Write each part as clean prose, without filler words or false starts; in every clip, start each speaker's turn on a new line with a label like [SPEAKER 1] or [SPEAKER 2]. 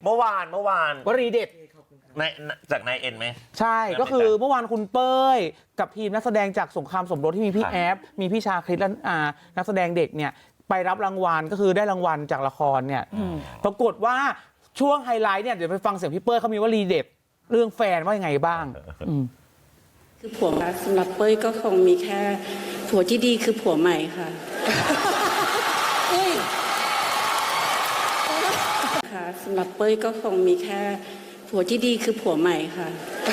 [SPEAKER 1] เมื่อวาน
[SPEAKER 2] วลีเด็ด
[SPEAKER 1] จากนายเอ็นไหม
[SPEAKER 2] ใช่ก็คือเมื่อวานคุณเป้ยกับทีมนักแสดงจากสงครามสมรสที่มีพี่แอฟมีพี่ชาคริสและนักแสดงเด็กเนี่ยไปรับรางวัลก็คือได้รางวัลจากละครเนี่ยปรากฏว่าช่วงไฮไลท์เนี่ยเดี๋ยวไปฟังเสียงพี่เป้ยเขามีวลีเด็ดเรื่องแฟนว่ายังไงบ้าง
[SPEAKER 3] คือผัวสำหรับเป้ยก็คงมีแค่ผัวที่ดีคือผัวใหม่ค่ะค่ะสำหรับเป้ยก็คงมีแค่ผัวที่ดีคือผัวใหม่ค่ะ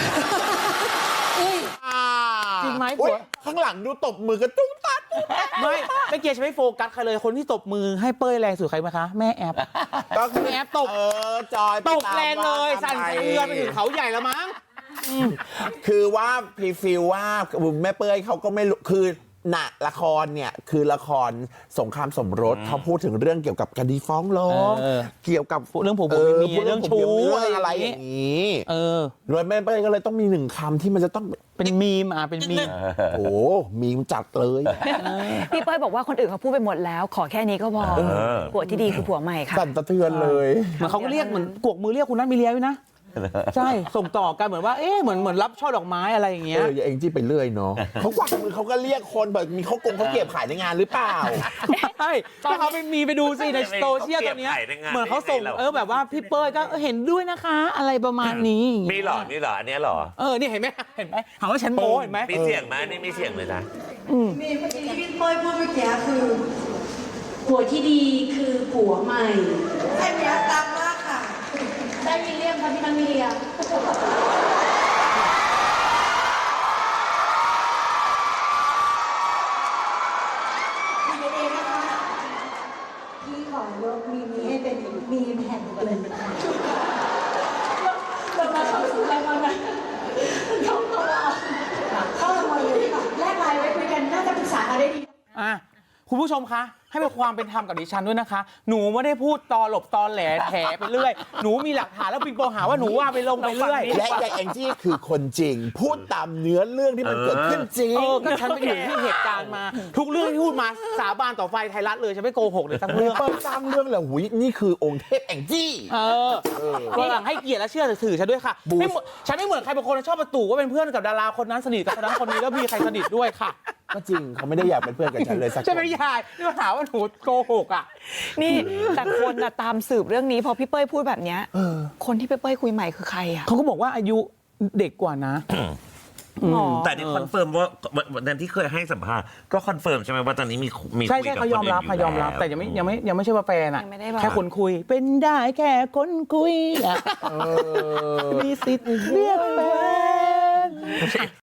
[SPEAKER 2] จริงไหมผัว
[SPEAKER 4] ข้างหลังดูตบมือกันตุ้งตัด
[SPEAKER 2] ไม่เกียร์จะไม่โฟกัสใครเลยคนที่ตบมือให้เป้ยแรงสุดใครไหมคะแม่แอฟ
[SPEAKER 4] ก็คือ
[SPEAKER 2] แม่แอฟตบ
[SPEAKER 4] จอย
[SPEAKER 2] ตบแรงเลยสั่นสะเทือนไปถึงเขาใหญ่แล้วมั้ง
[SPEAKER 4] คือว่าพีฟิลว่าแม่เป้ยเขาก็ไม่รู้คือละครเนี่ยคือละครสงครามสมรสเขาพูดถึงเรื่องเกี่ยวกับคดีฟ้องร้องเกี่ยวกับ
[SPEAKER 2] เรื่องผมมีเรื่องชู้
[SPEAKER 4] อะไรอย่างนี้โดยแม่เป้ยก็เลยต้องมี1 คำที่มันจะต้อง
[SPEAKER 2] เป็นมีมเป็นมีม
[SPEAKER 4] โอ้มีมจัดเลย
[SPEAKER 5] พี่เป้ยบอกว่าคนอื่นเขาพูดไปหมดแล้วขอแค่นี้ก็พอผัวที่ดีคือผัวใหม่ค่ะ
[SPEAKER 4] สั่นสะเทือนเลย
[SPEAKER 2] เหมือนเขาก็เรียกเหมือนกวกมือเรียกคุณนัทมีเลียด้วยนะใช่ส่งต่อกันเหมือนว่าเหมือนรับช่อดอกไมอะไรอย่างเงี้ย
[SPEAKER 4] เองจี้ไปเรื่อยเนาะเขากวักมือเขาก็เรียกคนแบบมีเขาเก็บขายในงานหรือเปล่า
[SPEAKER 2] ใช่ถ้าเขาไปดูสิในโซเชียลตอนนี้เหมือนเขาส่งแบบว่าพี่เป้ยก็เห็นด้วยนะคะอะไรประมาณนี้
[SPEAKER 1] มีหรออันนี้หรอ
[SPEAKER 2] นี่เห็นไหมถามว่าฉันโม้เห็นไหม
[SPEAKER 1] มีเสียงไหมนี่มีเสียงเลยนะ
[SPEAKER 3] มีเมื่อกี้ที่พี่เป้ยพูดเมื่อกี้คือผัวที่ดีคือผัวใหม่อันนี้ตามมากค่ะได้มิเลียมค่ะพี่นันมิเลีย
[SPEAKER 6] พี่ขอยกมีนี้ให้เป็นมีมแห่งเลย
[SPEAKER 3] เรามาเข้าสู่รายการนะเข้ารางวัลเลยค่ะแลกไลน์ไว้คุยกันน่าจะปรึกษากันได้ดี
[SPEAKER 2] คุณผู้ชมคะให้เป็นความเป็นธรรมกับดิฉันด้วยนะคะหนูไม่ได้พูดตอหลบตอแหลแถไปเรื่อยหนูมีหลักฐานแล้วปิงปองหาว่าหนูว่าไปลงไปเรื่อย
[SPEAKER 4] และยายแองจี้คือคนจริงพูดตามเนื้อเรื่องที่มันเกิดขึ้นจริง
[SPEAKER 2] ก็ฉันไปอยู่ที่เหตุการณ์มาทุกเรื่องที่พูดมาสาบานต่อไฟไทยรัฐเลยฉันไม่โกหกเลยทั้งเรื่อง
[SPEAKER 4] ตามเรื่องแหละหุยนี่คือองค์เทพแองจี้
[SPEAKER 2] ก็หลังให้เกียรติและเชื่อถือฉันด้วยค่ะฉันไม่เหมือนใครบางคนชอบประตูว่าเป็นเพื่อนกับดาราคนนั้นสนิทกับคนนั้นคนนี้แล้วมีใครสนิทด้วยค่ะ
[SPEAKER 4] ก็จริงเขาไม่ได้อยากเป็นเพื่อนกับฉันเลยสักคน
[SPEAKER 2] ใช่ไหมยายนี่มาหาว่าหนูโกหก
[SPEAKER 5] นี่แต่คนตามสืบเรื่องนี้พอพี่เป้ยพูดแบบนี้คนที่พี่เป้ยคุยใหม่คือใคร
[SPEAKER 2] เขาก็บอกว่าอายุเด็กกว่านะ
[SPEAKER 1] แต่นี่คอนเฟิร์มว่าวันที่เคยให้สัมภาษณ์ก็คอนเฟิร์มใช่ไหมว่าตอนนี้มี
[SPEAKER 2] ใช่เขายอมรับแต่ยังไม่ใช่ว่าแฟนแค่คนคุยเป็นได้แค่คนคุยมีสิทธิ์เรียกแฟน